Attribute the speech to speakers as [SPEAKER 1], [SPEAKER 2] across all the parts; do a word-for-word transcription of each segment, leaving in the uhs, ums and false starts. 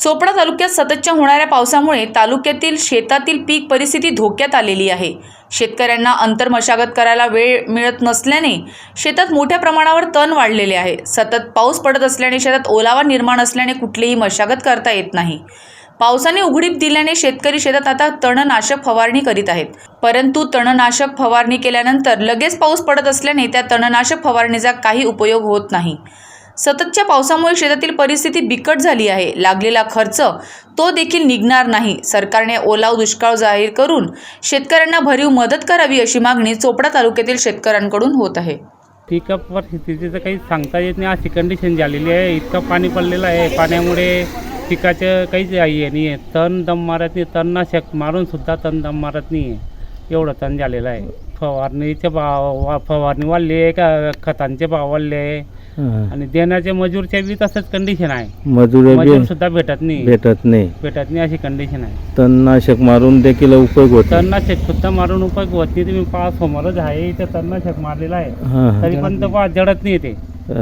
[SPEAKER 1] चोपडा तालुक्यात सततच्या होणाऱ्या पावसामुळे तालुक्यातील शेतातील पीक परिस्थिती धोक्यात आलेली आहे। शेतकऱ्यांना अंतर मशागत करायला वेळ मिळत नसल्याने शेतात मोठ्या प्रमाणावर तण वाढलेले आहे। सतत पाऊस पडत असल्याने शेतात ओलावा निर्माण असल्याने कुठलीही मशागत करता येत नाही। पावसाने उघडीप दिल्याने शेतकरी शेतात आता तणनाशक फवारणी करीत आहेत, परंतु तणनाशक फवारणी केल्यानंतर लगेच पाऊस पडत असल्याने त्या तणनाशक फवारणीचा काही उपयोग होत नाही। सततच्या पावसामुळे शेतातील परिस्थिती बिकट झाली आहे। लागलेला खर्च तो देखील निघणार नाही। सरकारने ओलाव दुष्काळ जाहीर करून शेतकऱ्यांना भरीव मदत करावी अशी मागणी चोपडा तालुक्यातील शेतकऱ्यांकडून होत आहे।
[SPEAKER 2] पिका परिस्थितीचं काही सांगता येत नाही, अशी कंडिशन झालेली आहे। इतकं पाणी पडलेलं आहे, पाण्यामुळे पिकाचं काहीच आहे नाही आहे। तण दम मारत नाही, तणनाशक मारून सुद्धा तण दम मारत नाही आहे, एवढं तण झालेलं आहे। फवारणीचे भाव फवारणी वाढली आहे का, खतांचे भाव वाढले आहे आणि देण्याच्या मजूरच्या बी तसंच कंडिशन आहे। मजूर सुद्धा भेटत नाही
[SPEAKER 3] भेटत नाही
[SPEAKER 2] भेटत नाही अशी कंडिशन आहे।
[SPEAKER 3] तणनाशक मारून देखील उपयोग होत
[SPEAKER 2] तणनाशक सुद्धा मारून उपयोग होत नाही। तुम्ही पहा समोरच आहे इथे तणनाशक मारलेलं आहे, तरी पण तो पहा जडत नाही ते।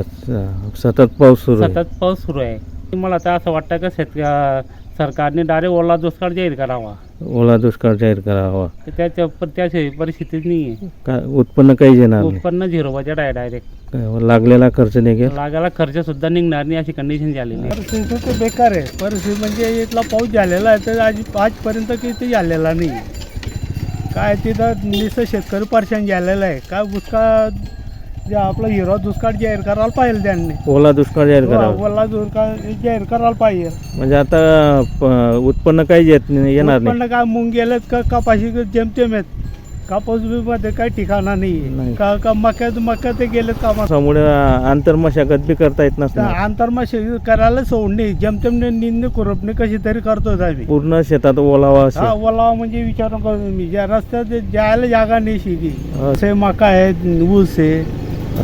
[SPEAKER 3] सतत पाऊस सुरू
[SPEAKER 2] सतत पाऊस सुरू आहे। मला तर असं वाटतं की शेत सरकारने डायरेक्ट ओला दुष्काळ जाहीर करावा
[SPEAKER 3] ओला दुष्काळ जाहीर करावा
[SPEAKER 2] त्याच्या त्या परिस्थितीत नाही आहे।
[SPEAKER 3] उत्पन्न काही येणार
[SPEAKER 2] उत्पन्न झिरो बजेट आहे डायरेक्ट।
[SPEAKER 3] लागलेला खर्च निघेल,
[SPEAKER 2] लागायला खर्च सुद्धा निघणार नाही अशी कंडिशन झालेली आहे।
[SPEAKER 4] परिस्थिती तर बेकार आहे। परिस्थिती म्हणजे इथला पाऊस झालेला आहे तर आज आजपर्यंत किती झालेला नाही काय, तिथं नुसतं शेतकरी परेशान झालेला आहे। काय दुष्काळ जे आपला हिरो दुष्काळ जाहीर करायला पाहिजे त्यांनी,
[SPEAKER 3] ओला दुष्काळ जाहीर करावा,
[SPEAKER 4] ओला दुष्काळ जाहीर करायला पाहिजे।
[SPEAKER 3] म्हणजे आता उत्पन्न काही येत नाही येणार नाही।
[SPEAKER 4] उत्पन्न काय मुंग गेलेत का कपाशी जेमतेम आहेत, कापूस मध्ये काही ठिकाणा नाही का, का मक्यात मक्या ते गेलेत कामामुळे
[SPEAKER 3] आंतर मशागत बी करता येत नसतं।
[SPEAKER 4] आंतर मशागत करायला सोडणे जेमतेम निंद खुरपणे कशी तरी करतोच आम्ही।
[SPEAKER 3] पूर्ण शेतात ओलावा
[SPEAKER 4] हा ओलावा म्हणजे विचार करून मी ज्या रस्त्यात जायला जागा नाही शेती, असे मका आहे, ऊस आहे,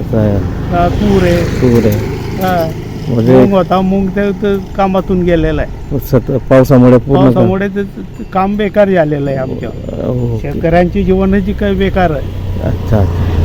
[SPEAKER 4] तूर आहे
[SPEAKER 3] तूर आहे
[SPEAKER 4] मूग होता, मूग ते कामातून गेलेला आहे।
[SPEAKER 3] पावसामुळे
[SPEAKER 4] पावसामुळे ते काम बेकार झालेलं आहे आमच्या शेतकऱ्यांची जीवनाची काही बेकार आहे।
[SPEAKER 3] अच्छा।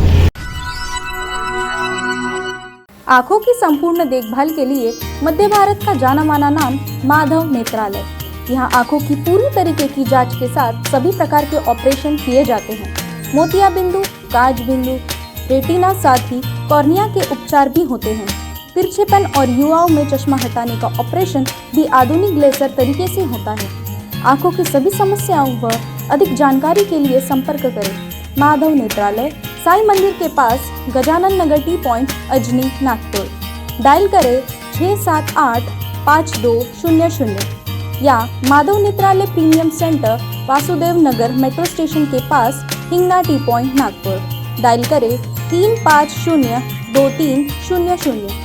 [SPEAKER 5] आंखों की संपूर्ण देखभाल के लिए मध्य भारत का जाना माना नाम माधव नेत्रालय। यहाँ आंखों की पूरी तरीके की जांच के साथ सभी प्रकार के ऑपरेशन किए जाते हैं। मोतिया बिंदु, काज बिंदु, रेटिना साथ ही कॉर्निया के उपचार भी होते हैं। तिरछेपन और युवाओं में चश्मा हटाने का ऑपरेशन भी आधुनिक लेजर तरीके से होता है। आंखों की सभी समस्याओं व अधिक जानकारी के लिए संपर्क करें माधव नेत्रालय, साई मंदिर के पास, Gajanan Nagar T point, Ajni, Nagpur. Dial करें छः सात आठ पाँच दो शून्य शून्य या Madhav Netralaya premium centre, Vasudev Nagar metro station के पास, Hingna T point, Nagpur. Dial करें तीन पाँच शून्य दो तीन शून्य शून्य।